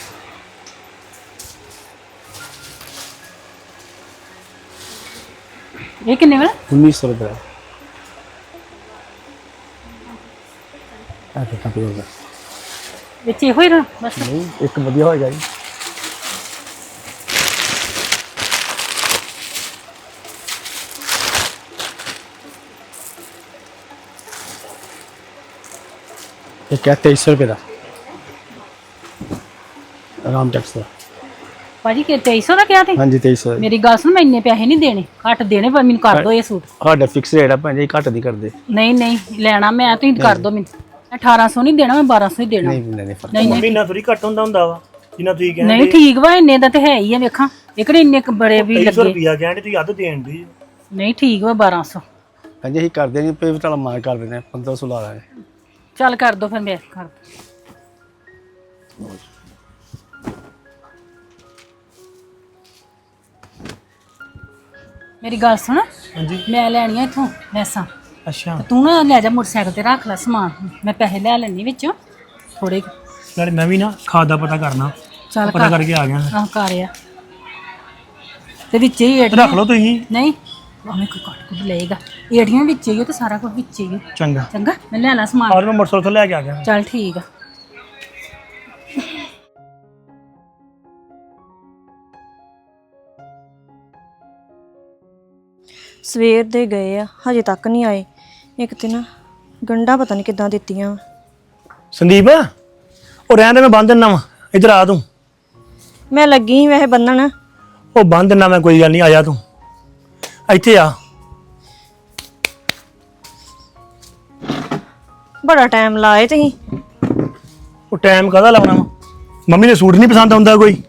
S1: ਇਹ ਕਿੰਨੇ ਵਾਲਾ?
S4: उन्नीस सौ रुपये ਦੋਟਾ ਪਿਓਰ ਦਾ
S1: ਵਿੱਚ ਇਹੋ ਹੀ ਰ ਬਸ।
S4: ਨਹੀਂ ਇੱਕ ਵਧੀਆ ਹੋਏਗਾ ਜੀ। ਇਹ ਕਿਆ तेईस सौ रुपये ਦਾ ਰਾਮ ਟੈਕਸ ਦਾ।
S1: ਭਾਜੀ ਕਿ ਤੇਈ ਸੌ ਦਾ ਕਿਹਾ ਤੇ?
S4: ਹਾਂਜੀ तेईस सौ।
S1: ਮੇਰੀ ਗੱਲ ਸੁਣ, ਮੈਂ ਇੰਨੇ ਪੈਸੇ ਨਹੀਂ ਦੇਣੇ, ਘੱਟ ਦੇਣੇ, ਪਰ ਮੈਨੂੰ ਕਰ ਦੋ ਇਹ ਸੂਟ।
S4: ਸਾਡਾ ਫਿਕਸ ਰੇਟ ਆ ਭੈਣ ਜੀ, ਘੱਟ ਨਹੀਂ ਕਰਦੇ।
S1: ਨਹੀਂ ਨਹੀਂ ਲੈਣਾ ਮੈਂ, ਤੁਸੀਂ ਕਰ ਦੋ ਮੈਨੂੰ। ਅਠਾਰਾਂ ਸੌ ਨਹੀਂ ਦੇਣਾ, ਮੈਂ ਬਾਰਾਂ ਸੌ ਹੀ ਦੇਣਾ।
S4: ਨਹੀਂ ਨਹੀਂ ਫਰਕ
S1: ਨਹੀਂ ਨਹੀਂ
S5: ਮਹੀਨਾ ਥੋੜੀ ਘੱਟ ਹੁੰਦਾ ਹੁੰਦਾ ਵਾ ਜਿੰਨਾ ਤੁਸੀਂ ਕਹਿੰਦੇ।
S1: ਨਹੀਂ ਠੀਕ ਵਾ, ਇੰਨੇ ਦਾ ਤੇ ਹੈ ਹੀ ਆ। ਵੇਖਾਂ ਇਕੜੇ ਇੰਨੇ ਕੁ ਬੜੇ ਵੀ
S5: ਤੇਈ ਸੌ
S1: ਲੱਗੇ।
S5: ਰੁਪਿਆ ਕਹਿੰਦੇ ਤੁਸੀਂ ਅੱਧ ਦੇਣ ਦੀ।
S1: ਨਹੀਂ ਠੀਕ ਵਾ ਬਾਰਾਂ ਸੌ।
S4: ਭੈਣ ਜੀ ਅਸੀਂ ਕਰਦੇ ਨਹੀਂ ਪੇ ਤੁਹਾਡਾ ਮਾਰ ਕਰ ਦਿੰਦੇ ਪੰਦਰਾਂ ਸੌ ਲਾ ਲਾਂਗੇ।
S1: ਚੱਲ ਕਰ ਦੋ ਫਿਰ, ਮੈਂ ਕਰ ਦੋ। ਮੇਰੀ ਗੱਲ ਸੁਣ,
S5: ਹਾਂਜੀ
S1: ਮੈਂ ਲੈਣੀਆਂ ਇੱਥੋਂ ਲੈਸਾਂ,
S5: ਅੱਛਾ।
S1: ਤੇ ਤੂੰ ਨਾ ਲੈ ਜਾ ਮੋਟਰਸਾਈਕਲ ਤੇ ਰੱਖ ਲੈ ਸਮਾਨ, ਮੈਂ ਪੈਸੇ ਲੈ ਲੈਣੀ ਵਿੱਚੋਂ ਥੋੜੇ।
S5: ਨਾਲੇ ਮੈਂ ਵੀ ਨਾ ਖਾਦ ਦਾ ਪਤਾ ਕਰਨਾ,
S1: ਚੱਲ
S5: ਪਤਾ ਕਰਕੇ ਆ ਗਿਆ।
S1: ਆਹ ਕਰ ਆ ਤੇ ਵਿੱਚ ਹੀ ਏਟੀਆਂ
S5: ਰੱਖ ਲਓ ਤੁਸੀਂ।
S1: ਨਹੀਂ ਭਾਵੇਂ ਕੋਈ ਕੱਟ ਕੁੱਟ ਲਏਗਾ, ਏਟੀਆਂ ਵਿੱਚ ਹੀ ਉਹ ਤੇ ਸਾਰਾ ਕੁਝ ਵਿੱਚ ਹੀ।
S5: ਚੰਗਾ
S1: ਚੰਗਾ ਮੈਂ ਲੈ ਲਾ ਸਮਾਨ।
S5: ਔਰ ਮੈਂ ਮੋਟਰਸਾਈਕਲ ਤੋਂ ਲੈ ਕੇ ਆ ਗਿਆ।
S1: ਚੱਲ ਠੀਕ ਆ।
S2: ਸਵੇਰ ਦੇ ਗਏ ਆ, ਹਜੇ ਤੱਕ ਨਹੀਂ ਆਏ। ਇੱਕ ਤੇ ਨਾ ਗੰਢਾਂ ਪਤਾ ਨਹੀਂ ਕਿੱਦਾਂ ਦਿੱਤੀਆਂ।
S5: ਸੰਦੀਪ ਉਹ ਰਹਿਣ ਦੇ, ਮੈਂ ਬੰਨ ਦਿੰਦਾ ਵਾ। ਇੱਧਰ ਆ ਤੂੰ।
S2: ਮੈਂ ਲੱਗੀ ਸੀ ਵੈਸੇ ਬੰਨਣ।
S5: ਉਹ ਬੰਨ ਦਿੰਦਾ ਮੈਂ, ਕੋਈ ਗੱਲ ਨਹੀਂ, ਆ ਜਾ ਤੂੰ ਇੱਥੇ ਆ।
S2: ਬੜਾ ਟਾਈਮ ਲਾਏ ਤੁਸੀਂ।
S5: ਉਹ ਟਾਈਮ ਕਾਹਦਾ ਲਾਉਣਾ ਵਾ? ਮੰਮੀ ਨੇ ਸੂਟ ਨਹੀਂ ਪਸੰਦ ਆਉਂਦਾ ਕੋਈ?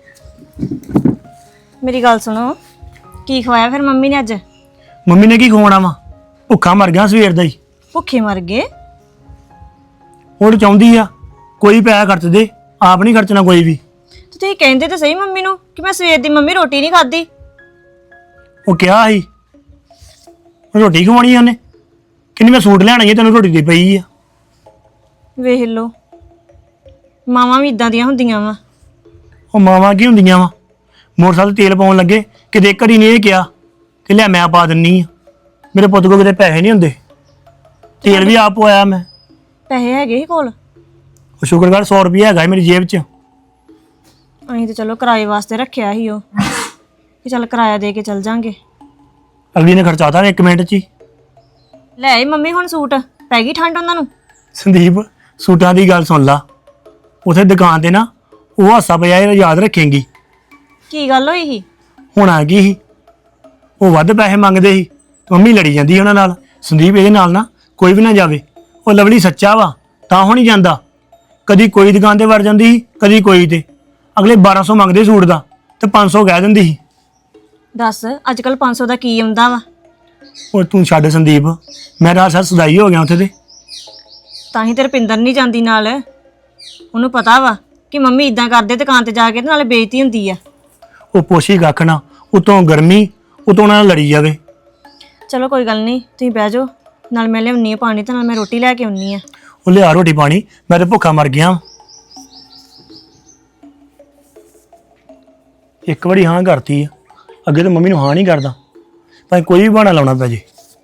S2: ਮੇਰੀ ਗੱਲ ਸੁਣੋ, ਕੀ ਖਵਾਇਆ ਫਿਰ ਮੰਮੀ ਨੇ ਅੱਜ?
S5: ਮੰਮੀ ਨੇ ਕੀ ਖਵਾਉਣਾ ਵਾ? ਭੁੱਖਾ ਮਰ ਗਿਆ ਸਵੇਰ ਦਾ ਹੀ।
S2: ਭੁੱਖੇ ਮਰ ਗਏ?
S5: ਹੁਣ ਚਾਹੁੰਦੀ ਆ ਕੋਈ ਪੈਸਾ ਖਰਚ ਦੇ, ਆਪ ਨਹੀਂ ਖਰਚਣਾ ਕੋਈ ਵੀ।
S2: ਤੇ ਤੁਸੀਂ ਕਹਿੰਦੇ ਤਾਂ ਸਹੀ ਮੰਮੀ ਨੂੰ ਕਿ ਮੈਂ ਸਵੇਰ ਦੀ ਮੰਮੀ ਰੋਟੀ ਨਹੀਂ ਖਾਧੀ।
S5: ਉਹ ਕਿਹਾ ਸੀ ਰੋਟੀ ਖਵਾਉਣੀ ਆ ਉਹਨੇ, ਕਿੰਨੀ ਮੈਂ ਸੂਟ ਲੈਣਾ ਹੀ ਤੈਨੂੰ ਰੋਟੀ ਦੀ ਪਈ ਆ।
S2: ਵੇਖ ਲਓ, ਮਾਵਾਂ ਵੀ ਇਦਾਂ ਦੀਆਂ ਹੁੰਦੀਆਂ ਵਾ।
S5: ਉਹ ਮਾਵਾਂ ਕੀ ਹੁੰਦੀਆਂ ਵਾ? ਮੋਟਰਸਾਈਕਲ ਤੇਲ ਪਾਉਣ ਲੱਗੇ ਕਿਤੇ ਘੜੀ ਨਹੀਂ ਇਹ ਕਿਹਾ ਕਿ ਲੈ ਮੈਂ ਪਾ ਦਿੰਨੀ ਆ। ਮੇਰੇ ਪੁੱਤ ਕੋਲ ਕਿਤੇ ਪੈਸੇ ਨਹੀਂ ਹੁੰਦੇ, ਤੇਲ ਵੀ ਆਪ ਪਵਾਇਆ ਮੈਂ।
S2: ਪੈਸੇ ਹੈਗੇ ਸੀ ਕੋਲ?
S5: ਉਹ ਸ਼ੁਕਰ ਕਰ ਸੌ ਰੁਪਇਆ ਹੈਗਾ ਸੀ ਮੇਰੀ ਜੇਬ 'ਚ।
S2: ਅਸੀਂ ਤਾਂ ਚਲੋ ਕਿਰਾਏ ਵਾਸਤੇ ਰੱਖਿਆ ਸੀ ਉਹ, ਕਿ ਚੱਲ ਕਿਰਾਇਆ ਦੇ ਕੇ ਚੱਲ ਜਾਾਂਗੇ।
S5: ਅਗਲੀ ਨੇ ਖਰਚਾਤਾ ਇੱਕ ਮਿੰਟ 'ਚ ਹੀ।
S2: ਲੈ ਆਈ ਮੰਮੀ ਹੁਣ ਸੂਟ, ਪੈ ਗਈ ਠੰਡ ਉਹਨਾਂ ਨੂੰ?
S5: ਸੰਦੀਪ ਸੂਟਾਂ ਦੀ ਗੱਲ ਸੁਣ ਲਾ, ਉਥੇ ਦੁਕਾਨ ਤੇ ਨਾ ਉਹ ਹਾਸਾ ਪਿਆ ਇਹ ਯਾਦ ਰੱਖੇਂਗੀ।
S2: ਕੀ ਗੱਲ ਹੋਈ ਸੀ?
S5: ਹੁਣ ਆ ਗਈ ਸੀ, ਉਹ ਵੱਧ ਪੈਸੇ ਮੰਗਦੇ ਸੀ ਤੇ ਮੰਮੀ ਲੜੀ ਜਾਂਦੀ ਸੀ ਉਹਨਾਂ ਨਾਲ। ਸੰਦੀਪ ਇਹਦੇ ਨਾਲ ਨਾ ਕੋਈ ਵੀ ਨਾ ਜਾਵੇ, ਉਹ ਲਵਲੀ ਸੱਚਾ ਵਾ ਤਾਂ ਹੋ ਨਹੀਂ ਜਾਂਦਾ। ਕਦੀ ਕੋਈ ਦੁਕਾਨ ਤੇ ਵੜ ਜਾਂਦੀ ਸੀ, ਕਦੀ ਕੋਈ ਤੇ। ਅਗਲੇ ਬਾਰਾਂ ਸੌ ਮੰਗਦੇ ਸੂਟ ਦਾ ਤੇ ਪੰਜ ਸੌ ਕਹਿ ਦਿੰਦੀ ਸੀ।
S2: ਦੱਸ ਅੱਜ ਕੱਲ ਪੰਜ ਸੌ ਦਾ ਕੀ ਆਉਂਦਾ ਵਾ?
S5: ਉਹ ਤੂੰ ਛੱਡ ਸੰਦੀਪ, ਮੈਂ ਰਾਤ ਸਾਰ ਸਦਾਈ ਹੋ ਗਿਆ ਉੱਥੇ ਤੇ।
S2: ਤਾਂ ਹੀ ਤੇ ਰੁਪਿੰਦਰ ਨਹੀਂ ਜਾਂਦੀ ਨਾਲ, ਉਹਨੂੰ ਪਤਾ ਵਾ ਕਿ ਮੰਮੀ ਇਦਾਂ ਕਰਦੇ ਦੁਕਾਨ ਤੇ ਜਾ ਕੇ ਤੇ ਨਾਲੇ ਬੇਇੱਜ਼ਤੀ ਹੁੰਦੀ ਆ।
S5: ਉਹ ਪੋਸ਼ੀ ਕੱਖ ਨਾ, ਉਤੋਂ ਗਰਮੀ, ਉਤੋਂ ਉਹਨਾਂ ਨਾਲ ਲੜੀ ਜਾਵੇ।
S2: ਚਲੋ ਕੋਈ ਗੱਲ ਨਹੀਂ, ਤੁਸੀਂ ਬਹਿ ਜਾਓ, ਨਾਲ ਮੈਂ ਲਿਆਉਣੀ ਆ ਪਾਣੀ ਤੇ ਨਾਲ ਮੈਂ ਰੋਟੀ ਲੈ ਕੇ ਆਉਣੀ ਆ।
S5: ਉਹ ਲਿਆ ਰੋਟੀ ਪਾਣੀ, ਮੈਂ ਤੇ ਭੁੱਖਾ ਮਰ ਗਿਆ। ਇੱਕ ਵਾਰੀ ਹਾਂ ਕਰਤੀ ਆ, ਅੱਗੇ ਤਾਂ ਮੰਮੀ ਨੂੰ ਹਾਂ ਨਹੀਂ ਕਰਦਾ, ਭਾਵੇਂ ਕੋਈ ਵੀ ਬਹਾਨਾ ਲਾਉਣਾ ਪੈ ਜੇ।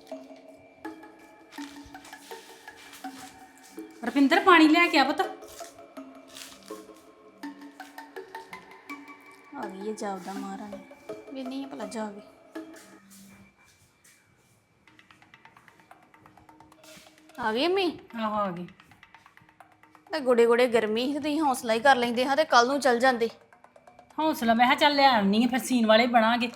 S1: ਰਪਿੰਦਰ ਪਾਣੀ ਲੈ ਕੇ ਆ ਪੁੱਤ।
S6: ਆ ਗਈ ਹੈ ਜਾਪਦਾ ਮਹਾਰਾਣੀ ਵੀ ਨਹੀਂ ਭਲਾ ਜਾਵੇ। ਆ ਗਈ ਮੈਂ
S1: ਆਹੋ ਆ ਗਈ।
S6: ਤਾਂ ਗੋੜੇ ਗੋੜੇ ਗਰਮੀ ਸੀ ਤੇ ਤੁਸੀਂ ਹੌਸਲਾ ਹੀ ਕਰ ਲੈਂਦੇ ਹਾਂ ਤੇ ਕੱਲ ਨੂੰ ਚੱਲ ਜਾਂਦੇ।
S1: ਹੌਸਲਾ ਮੈਂ ਕਿਹਾ ਚੱਲ ਲੈ ਆਉਣੀ ਆ, ਫਿਰ ਸੀਨ ਵਾਲੇ ਬਣਾਂਗੇ,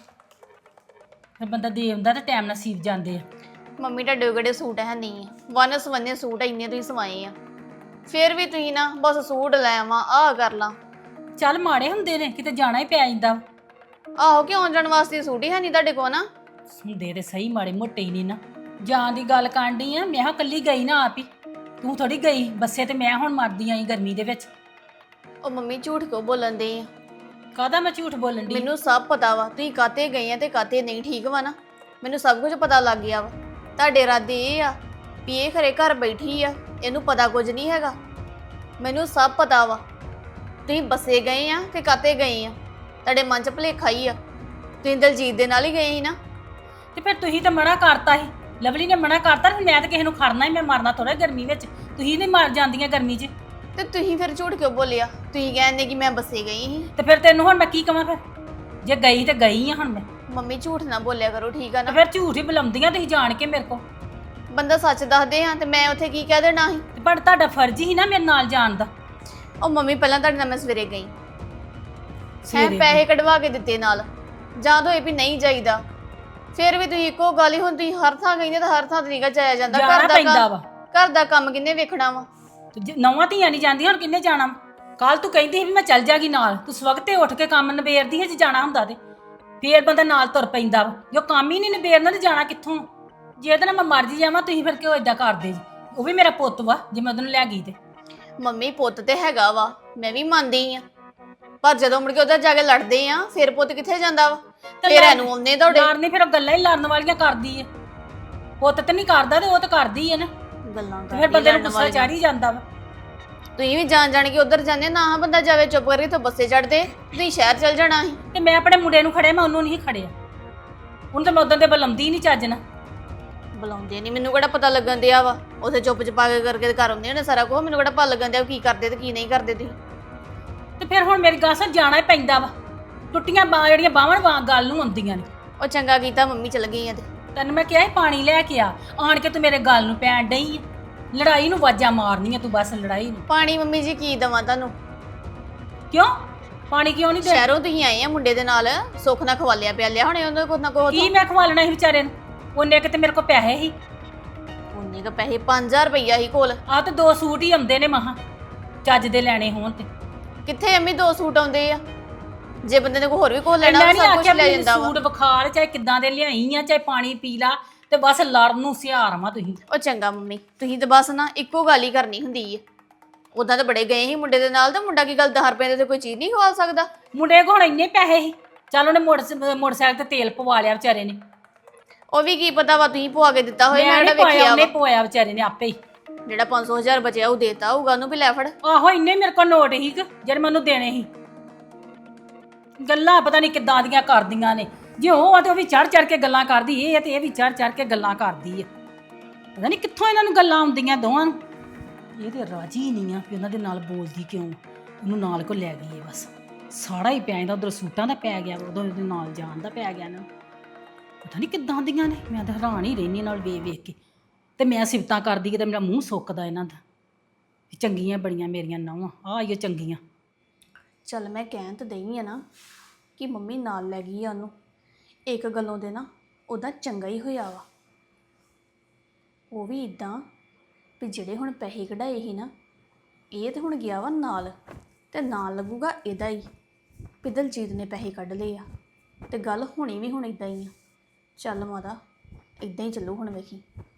S1: ਫਿਰ ਬੰਦਾ ਦੇ ਆਉਂਦਾ ਤੇ ਟਾਈਮ ਨਾਲ ਸੀਵ ਜਾਂਦੇ ਆ।
S6: ਮੰਮੀ ਤੁਹਾਡੇ ਗੜੇ ਸੂਟ ਹੈ ਨਹੀਂ ਹੈ, ਵਨ ਸਵੰਨੇ ਸੂਟ ਇੰਨੇ ਤੁਸੀਂ ਸਵਾਏ ਆ, ਫਿਰ ਵੀ ਤੁਸੀਂ ਨਾ ਬਸ ਸੂਟ ਲੈ ਆਵਾਂ ਆਹ ਕਰ ਲਾਂ।
S1: ਚੱਲ ਮਾੜੇ ਹੁੰਦੇ ਨੇ, ਕਿਤੇ ਜਾਣਾ ਹੀ ਪੈ ਜਾਂਦਾ।
S6: ਆਹੋ ਕਿ ਆਉਣ ਜਾਣ ਵਾਸਤੇ ਸੂਟ ਹੀ ਹੈ ਨਹੀਂ ਤੁਹਾਡੇ ਕੋਲ ਨਾ।
S1: ਹੁੰਦੇ ਤੇ ਸਹੀ ਮਾੜੇ ਮੋਟੇ ਹੀ ਨਹੀਂ ਨਾ। ਜਾਣ ਦੀ ਗੱਲ ਕਾਂਢੀ ਆ, ਮੈਂ ਕਿਹਾ ਕੱਲੀ ਗਈ ਨਾ ਆਪ ਹੀ, ਤੂੰ ਥੋੜੀ ਗਈ ਬੱਸੇ ਤੇ ਮੈਂ ਹੁਣ ਮਰਦੀ ਆਈ ਗਰਮੀ ਦੇ ਵਿੱਚ।
S6: ਉਹ ਮੰਮੀ ਝੂਠ ਕਿਉਂ ਬੋਲਣ ਦੇ ਆ?
S1: ਕਾਹਦਾ ਮੈਂ ਝੂਠ ਬੋਲਣ ਦੀ?
S6: ਮੈਨੂੰ ਸਭ ਪਤਾ ਵਾ ਤੁਸੀਂ ਕਾਤੇ ਗਏ ਆ ਤੇ ਕਾਤੇ ਨਹੀਂ, ਠੀਕ ਵਾ ਨਾ? ਮੈਨੂੰ ਸਭ ਕੁਝ ਪਤਾ ਲੱਗ ਗਿਆ ਵਾ। ਤੁਹਾਡੇ ਇਰਾਦੇ ਇਹ ਆ ਵੀ ਇਹ ਖਰੇ ਘਰ ਬੈਠੀ ਆ, ਇਹਨੂੰ ਪਤਾ ਕੁਝ ਨਹੀਂ ਹੈਗਾ। ਮੈਨੂੰ ਸਭ ਪਤਾ ਵਾ ਤੁਸੀਂ ਬੱਸੇ ਗਏ ਆ ਤੇ ਕਾਤੇ ਗਏ ਆ, ਤੁਹਾਡੇ ਮਨ 'ਚ ਭੁਲੇਖਾ ਹੀ ਆ। ਤੁਸੀਂ ਦਲਜੀਤ ਦੇ ਨਾਲ ਹੀ ਗਏ ਸੀ ਨਾ।
S1: ਤੇ ਫਿਰ ਤੁਸੀਂ ਤਾਂ ਮਨਾ ਕਰਤਾ ਸੀ, ਲਵਲੀ ਨੇ ਮਨਾ ਕਰਤਾ, ਫਿਰ ਮੈਂ ਤਾਂ ਕਿਸੇ ਨੂੰ ਖੜਨਾ ਹੀ, ਮੈਂ ਮਰਨਾ ਥੋੜਾ ਗਰਮੀ ਵਿੱਚ। ਤੁਸੀਂ ਨਹੀਂ ਮਰ ਜਾਂਦੀਆਂ ਗਰਮੀ 'ਚ।
S6: ਤੇ ਤੁਸੀਂ ਫਿਰ ਝੂਠ ਕਿਉਂ ਬੋਲਿਆ? ਤੁਸੀਂ ਕਹਿੰਦੇ ਕਿ ਮੈਂ ਬੱਸੇ ਗਈ ਸੀ।
S1: ਤੇ ਫਿਰ ਤੈਨੂੰ ਹੁਣ ਮੈਂ ਕੀ ਕਵਾਂ? ਫਿਰ ਜੇ ਗਈ ਤੇ ਗਈ ਆ ਹੁਣ ਮੈਂ।
S6: ਮੰਮੀ ਝੂਠ ਨਾ ਬੋਲਿਆ ਕਰੋ, ਠੀਕ ਆ
S1: ਤੇ
S6: ਨਾ?
S1: ਫਿਰ ਝੂਠ ਹੀ ਬੁਲਾਉਂਦੀਆਂ ਤੁਸੀਂ ਜਾਣ ਕੇ ਮੇਰੇ ਕੋਲ।
S6: ਬੰਦਾ ਸੱਚ ਦੱਸਦੇ ਆ ਤੇ ਮੈਂ ਉੱਥੇ ਕੀ ਕਹਿ ਦੇਣਾ ਸੀ?
S1: ਤੇ ਪਰ ਤੁਹਾਡਾ ਫਰਜ਼ ਹੀ ਨਾ ਮੇਰੇ ਨਾਲ ਜਾਣ ਦਾ।
S6: ਉਹ ਮੰਮੀ ਪਹਿਲਾਂ ਤੁਹਾਡੇ ਨਾਲ ਮੈਂ ਸਵੇਰੇ ਗਈ, ਹੈ
S1: ਸਵੇਰੇ
S6: ਪੈਸੇ ਕਢਵਾ ਕੇ ਦਿੱਤੇ ਨਾਲ, ਜਾਂ ਤਾਂ ਇਹ ਵੀ ਨਹੀਂ ਜਾਈਦਾ। ਫਿਰ ਵੀ ਤੁਸੀਂ ਇੱਕੋ ਗੱਲ ਹੀ ਹੁੰਦੀ, ਹਰ ਥਾਂ ਕਹਿੰਦੇ ਤਾਂ ਹਰ ਥਾਂ ਤੇ ਨਿਕਲ ਜਾਇਆ ਜਾਂਦਾ।
S1: ਜਾਣਾ
S6: ਘਰ ਦਾ
S1: ਪੈਂਦਾ
S6: ਕੰਮ
S1: ਵਾ।
S6: ਘਰ ਦਾ ਕੰਮ ਕਿੰਨੇ ਵੇਖਣਾ ਵਾ?
S1: ਤੇ ਜੇ ਨੌਵਾਂ ਧੀਆਂ ਨਹੀਂ ਜਾਂਦੀਆਂ, ਹੁਣ ਕਿੰਨੇ ਜਾਣਾ? ਕੱਲ ਤੂੰ ਕਹਿੰਦੀ ਸੀ ਵੀ ਮੈਂ ਚੱਲ ਜਾਗੀ ਨਾਲ, ਤੂੰ ਸਵਖਤੇ ਉੱਠ ਕੇ ਕੰਮ ਨਿਬੇੜਦੀ ਹੈ ਜੇ ਜਾਣਾ ਹੁੰਦਾ ਤੇ। ਫੇਰ ਬੰਦਾ ਨਾਲ ਤੁਰ ਪੈਂਦਾ ਵਾ। ਜੋ ਕੰਮ ਹੀ ਨਹੀਂ ਨਿਬੇੜਨਾ ਤੇ ਜਾਣਾ ਕਿੱਥੋਂ? ਜੇ ਇਹਦੇ ਨਾਲ ਮੈਂ ਮਰ ਜੀ ਜਾਵਾਂ, ਤੁਸੀਂ ਫਿਰ ਕਿਉਂ ਏਦਾਂ ਕਰਦੇ ਜੀ? ਉਹ ਵੀ ਮੇਰਾ ਪੁੱਤ ਵਾ, ਜੇ ਮੈਂ ਉਹਨੂੰ ਲੈ ਗਈ ਤੇ।
S6: ਮੰਮੀ ਪੁੱਤ ਤੇ ਹੈਗਾ ਵਾ, ਮੈਂ ਵੀ ਮੰਨਦੀ ਆ, ਪਰ ਜਦੋਂ ਮੁੜ ਕੇ ਉਧਰ ਜਾ ਕੇ ਲੜਦੇ ਆ ਫਿਰ ਪੁੱਤ ਕਿੱਥੇ ਜਾਂਦਾ ਵਾ? ਫਿਰ ਇਹਨੂੰ ਆਉਂਦੇ ਤੁਹਾਡੇ
S1: ਲੜਨੀ, ਫਿਰ ਉਹ ਗੱਲਾਂ ਹੀ ਲੜਨ ਵਾਲੀਆਂ ਕਰਦੀ ਹੈ। ਪੁੱਤ ਤੇ ਨਹੀਂ ਕਰਦਾ ਤੇ ਉਹ ਤਾਂ ਕਰਦੀ ਹੈ ਨਾ।
S6: ਗੱਲਾਂ
S1: ਤੇ ਫਿਰ ਬੰਦੇ ਨੂੰ ਗੁੱਸਾ ਚੜ ਹੀ ਜਾਂਦਾ ਵਾ।
S6: ਤੁਸੀਂ ਵੀ ਜਾਣ ਜਾਣ ਕੇ ਉਧਰ ਜਾਂਦੇ ਨਾ, ਬੰਦਾ ਜਾਵੇ ਚੁੱਪ ਕਰਕੇ ਤੋਂ ਬੱਸੇ ਚੜਦੇ, ਤੁਸੀਂ ਸ਼ਹਿਰ ਚੱਲ ਜਾਣਾ ਸੀ।
S1: ਤੇ ਮੈਂ ਆਪਣੇ ਮੁੰਡੇ ਨੂੰ ਖੜਿਆ, ਮੈਂ ਉਹਨੂੰ ਨਹੀਂ ਖੜਿਆ। ਉਹਨੂੰ ਤਾਂ ਮੈਂ ਉਦੋਂ ਤੇ ਬੁਲਾਉਂਦੀ ਨਹੀਂ ਚੱਜ ਨਾਲ।
S6: ਬੁਲਾਉਂਦੇ ਨਹੀਂ, ਮੈਨੂੰ ਕਿਹੜਾ ਪਤਾ ਲੱਗਣ ਦਿਆ ਵਾ? ਉਥੇ ਚੁੱਪ ਚਪਾ ਕੇ ਕਰਕੇ ਘਰ ਆਉਂਦੇ ਨੇ ਸਾਰਾ ਕੁਝ, ਮੈਨੂੰ ਕਿਹੜਾ ਪਤਾ ਲੱਗਣ ਦਿਆ ਕੀ ਕਰਦੇ ਤੇ ਕੀ ਨਹੀਂ ਕਰਦੇ ਤੁਸੀਂ?
S1: ਤੇ ਫਿਰ ਹੁਣ ਮੇਰੀ ਗੱਲ ਸੁਣ, ਜਾਣਾ ਹੀ ਪੈਂਦਾ ਵਾ। ਟੁੱਟੀਆਂ ਬਾਹਾਂ ਜਿਹੜੀਆਂ ਬਾਹਵਾਂ ਵਾਂ ਗੱਲ ਨੂੰ ਆਉਂਦੀਆਂ ਨੇ।
S6: ਉਹ ਚੰਗਾ ਕੀਤਾ ਮੰਮੀ ਚਲ ਗਈ ਆ ਤੇ।
S1: ਤੈਨੂੰ ਮੈਂ ਕਿਹਾ ਸੀ ਪਾਣੀ ਲੈ ਕੇ ਆ, ਆਣ ਕੇ ਤੂੰ ਮੇਰੇ ਗੱਲ ਨੂੰ ਪੈਣ ਡਈ ਆ। ਲੜਾਈ ਨੂੰ ਵਾਜਾਂ ਮਾਰਨੀਆਂ ਤੂੰ, ਬਸ ਲੜਾਈ ਨੂੰ।
S6: ਪਾਣੀ ਮੰਮੀ ਜੀ ਕੀ ਦਵਾਂ ਤੁਹਾਨੂੰ?
S1: ਕਿਉਂ ਪਾਣੀ ਕਿਉਂ ਨਹੀਂ ਦੇ?
S6: ਸ਼ਹਿਰੋਂ ਤੁਸੀਂ ਆਏ ਆ ਮੁੰਡੇ ਦੇ ਨਾਲ, ਸੁੱਖ ਨਾਲ ਖਵਾਲਿਆ ਪਿਆ ਲਿਆ ਹੁਣੇ ਉਹਦੇ ਕੋਲ ਨਾ ਕੋਲ।
S1: ਕੀ ਮੈਂ ਖਵਾਲਣਾ ਸੀ ਵਿਚਾਰੇ ਨੂੰ? ਉਹਨੇ ਕਿਤੇ ਮੇਰੇ ਕੋਲ ਪੈਸੇ ਸੀ।
S6: ਉਹਨੇ ਕ ਪੈਸੇ ਪੰਜ ਹਜ਼ਾਰ ਰੁਪਈਆ ਹੀ ਕੋਲ।
S1: ਆ ਤੇ ਦੋ ਸੂਟ ਹੀ ਆਉਂਦੇ ਨੇ ਮਹਾ, ਚੱਜ ਦੇ ਲੈਣੇ ਹੋਣ ਤੇ।
S6: ਕਿੱਥੇ ਅੰਮੀ ਦੋ ਸੂਟ ਆਉਂਦੇ ਆ? ਜੇ ਬੰਦੇ ਨੇ ਕੋਈ ਹੋਰ ਵੀ ਕੋਲ ਲੈਣਾ
S1: ਮੈਂ
S6: ਉਹ
S1: ਨਹੀਂ
S6: ਸਭ ਕੁਝ
S1: ਆਖਿਆ
S6: ਲੈ
S1: ਵੀ
S6: ਜਾਂਦਾ ਵਾ।
S1: ਸੂਟ ਵਿਖਾਲ, ਚਾਹੇ ਕਿੱਦਾਂ ਦੇ ਲਿਆਈ ਆ, ਚਾਹੇ ਪਾਣੀ ਪੀ ਲਾ, ਤੇ ਬਸ ਲੜਨ ਨੂੰ ਸਿਆਰ ਵਾ ਤੁਸੀਂ।
S6: ਉਹ ਚੰਗਾ ਮੰਮੀ, ਤੁਸੀਂ ਤਾਂ ਬਸ ਨਾ ਇੱਕੋ ਗੱਲ ਹੀ ਕਰਨੀ ਹੁੰਦੀ ਹੈ। ਉਦਾਂ ਤਾਂ ਬੜੇ ਗਏ ਸੀ ਮੁੰਡੇ ਦੇ ਨਾਲ, ਤਾਂ ਮੁੰਡਾ ਕੀ ਗੱਲ ਦਸ ਰੁਪਏ ਦੇ ਤੇ ਕੋਈ ਚੀਜ਼ ਨਹੀਂ ਖਵਾ ਸਕਦਾ?
S1: ਮੁੰਡੇ ਕੋਲ ਹੁਣ ਇੰਨੇ ਪੈਸੇ ਸੀ, ਚੱਲ ਉਹਨੇ ਮੋਟਰ ਮੋਟਰਸਾਈਕਲ ਤੇ ਤੇਲ ਪਵਾ ਲਿਆ ਵਿਚਾਰੇ ਨੇ।
S6: ਉਹ ਵੀ ਕੀ ਪਤਾ ਵਾ ਤੁਸੀਂ ਪਵਾ ਕੇ ਦਿੱਤਾ ਹੋਏ,
S1: ਮੈਂ
S6: ਮੈਂ
S1: ਨਹੀਂ
S6: ਜਿਹੜਾ
S1: ਪਾਇਆ,
S6: ਵੇਖਿਆ
S1: ਉਹਨੇ
S6: ਵਾ।
S1: ਪਵਾਇਆ ਵਿਚਾਰੇ ਨੇ ਆਪੇ ਹੀ।
S6: ਜਿਹੜਾ ਪੰਜ ਸੌ ਹਜ਼ਾਰ ਬਚਿਆ ਉਹ ਦੇਤਾ ਹੋਊਗਾ ਉਹਨੂੰ ਵੀ ਲੈ ਫੜ।
S1: ਆਹੋ ਇੰਨੇ ਮੇਰੇ ਕੋਲ ਨੋਟ ਸੀ ਜਿਹੜੇ ਮੈਨੂੰ ਦੇਣੇ ਸੀ। ਗੱਲਾਂ ਪਤਾ ਨਹੀਂ ਕਿੱਦਾਂ ਦੀਆਂ ਕਰਦੀਆਂ ਨੇ। ਜੇ ਉਹ ਆ ਤੇ ਉਹ ਵੀ ਚੜ ਚੜ ਕੇ ਗੱਲਾਂ ਕਰਦੀ, ਇਹ ਆ ਤੇ ਇਹ ਵੀ ਚੜ ਚੜ ਕੇ ਗੱਲਾਂ ਕਰਦੀ ਆ। ਪਤਾ ਨਹੀਂ ਕਿੱਥੋਂ ਇਹਨਾਂ ਨੂੰ ਗੱਲਾਂ ਆਉਂਦੀਆਂ ਦੋਵਾਂ ਨੂੰ। ਇਹ ਤੇ ਰਾਜੀ ਨਹੀਂ ਆ ਵੀ ਉਹਨਾਂ ਦੇ ਨਾਲ ਬੋਲਦੀ ਕਿਉਂ। ਉਹਨੂੰ ਨਾਲ ਕੋ ਲੈ ਗਈ ਹੈ ਬਸ, ਸਾੜਾ ਹੀ ਪੈ ਜਾਂਦਾ। ਉਧਰ ਸੂਟਾਂ ਦਾ ਪੈ ਗਿਆ, ਉਦੋਂ ਉਹਦੇ ਨਾਲ ਜਾਣ ਦਾ ਪੈ ਗਿਆ ਨਾ। ਪਤਾ ਨਹੀਂ ਕਿੱਦਾਂ ਦੀਆਂ ਨੇ। ਮੈਂ ਤਾਂ ਹੈਰਾਨ ਹੀ ਰਹਿੰਦੀ ਨਾਲ ਵੇਖ ਵੇਖ ਕੇ। ਤੇ ਮੈਂ ਸਿਫਤਾਂ ਕਰਦੀ ਕਿ ਤੇ ਮੇਰਾ ਮੂੰਹ ਸੁੱਕਦਾ ਇਹਨਾਂ ਦਾ। ਚੰਗੀਆਂ ਬੜੀਆਂ ਮੇਰੀਆਂ ਨਹੁੰਆਂ, ਆਹ ਆਈਓ ਚੰਗੀਆਂ।
S6: ਚੱਲ ਮੈਂ ਕਹਿਣ ਤਾਂ ਦਈ ਆ ਨਾ ਕਿ ਮੰਮੀ ਨਾਲ ਲੈ ਗਈ ਆ ਉਹਨੂੰ, ਇੱਕ ਗੱਲੋਂ ਦੇ ਨਾ ਉਹਦਾ ਚੰਗਾ ਹੀ ਹੋਇਆ ਵਾ। ਉਹ ਵੀ ਇਦਾਂ ਵੀ ਜਿਹੜੇ ਹੁਣ ਪੈਸੇ ਕਢਾਏ ਸੀ ਨਾ, ਇਹ ਤੇ ਹੁਣ ਗਿਆ ਵਾ ਨਾਲ, ਤੇ ਨਾਲ ਲੱਗੂਗਾ ਇਹਦਾ ਹੀ ਵੀ ਦਲਜੀਤ ਨੇ ਪੈਸੇ ਕੱਢ ਲਏ ਆ। ਤੇ ਗੱਲ ਹੋਣੀ ਵੀ ਹੁਣ ਇਦਾਂ ਹੀ ਆ। ਚੱਲ ਮਾਤਾ ਇਦਾਂ ਹੀ ਚੱਲੂ ਹੁਣ, ਵੇਖੀ।